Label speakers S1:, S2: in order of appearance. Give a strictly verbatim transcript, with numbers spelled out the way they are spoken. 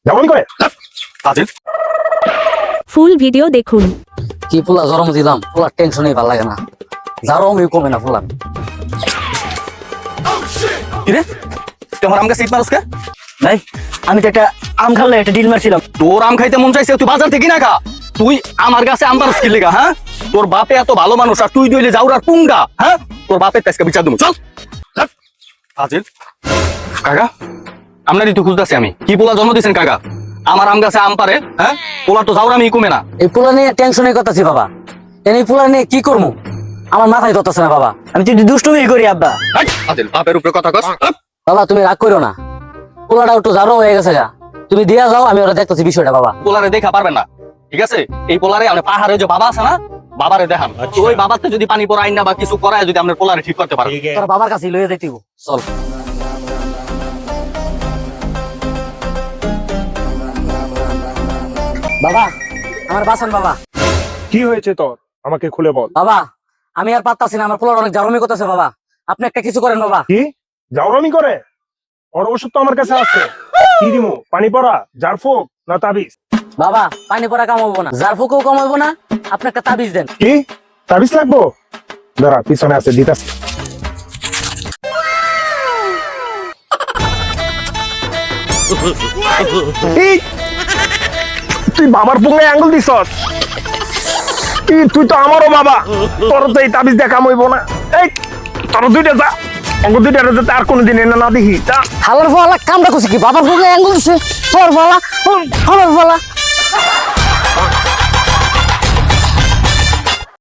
S1: যেমনই করে
S2: আজিল
S3: full video দেখুন।
S4: কি পোলা জরম দিলাম, পোলার টেনশনই ভালো লাগে না, জারমই কমে না পোলার।
S2: কিরে তুই আমার আম গাছে ইট মারস কে?
S5: ভাই আমি তো একটা আম খাল্লে একটা ডিল মারছিলাম।
S2: তোর আম খাইতে মন চাইছে তুই বাজার থেকে না খা, তুই আমার গাছে আম পারস কি লেগা? হ্যাঁ তোর বাপে এত ভালো মানুষ আর তুই দইলে যাওরার পুঙ্গা। হ্যাঁ তোর বাপের তাইska বিচার দেবো, চল চল। আজিল কাকা আপনারই তো খুঁজতেছি আমি, কি পোলা জন্ম দিয়েছেন কাকা? আমার আম গাছে আম পারে, হ্যাঁ পোলা তো যাওরামি কমে না।
S4: এই পোলা নিয়ে টেনশনে কথাছি বাবা, এই পোলা নিয়ে কি করবো আমার মাথায় ধরতেছে না বাবা।
S5: আমি তো একটু দুষ্টুমি করি আব্বা।
S2: হাই, আজিল বাপের উপরে কথা কস। হাপ।
S4: বাবা তুমি রাগ করো না, পোলাটা একটু জারো হয়ে গেছে গা, তুমি দিয়া যাও, আমি ওরা দেখতেছি বিষয়টা বাবা।
S2: পোলারে দেখা পারবেন না, ঠিক আছে? এই পোলারে আমরা পাহাড়ে যে বাবা আছে না, বাবারে দেখান। তো ওই বাবাতে যদি পানি পড়াই না বা কিছু করায় যদি আমরা পোলারে ঠিক করতে পারি।
S4: তোর বাবার কাছে লইয়া যাইতেইব, চল। বাবা আমার বাসন বাবা।
S1: কি হয়েছে তোর, আমাকে খুলে বল।
S4: বাবা আমি আর পারতাছি না, আমার পোলার অনেক জারমি করতেছে বাবা, আপনি একটা কিছু করেন বাবা।
S1: কি জাউরামি করে? ওর ওষুধ তো আমার কাছে আছে। কি দিমু, পানি পড়া, জারফুক না তাবিজ?
S4: বাবা পানি পড়া কামাবো না, জার ফুকেও কামাবো না, আপনি একটা তাবিজ দেন।
S1: কি তাবিজ লাগবো? দাঁড়া পিছনে আছে, দিতাছি। এই, তুই বাবার পুঙ্গায় আঙ্গুল দিছস? এই, তুই তো আমারও বাবা, তোর তো এই তাবিজ দেখা হইব না। এই তোর দুইটা যা, অঙ্গ দুইটা যাতে আর কোনোদিন এনে না দেখি যা।
S4: হালার ফালা কামটা করছে কি, বাবার ফুকে আঙ্গুল দিছে, তোর ফালা হালার ফালা।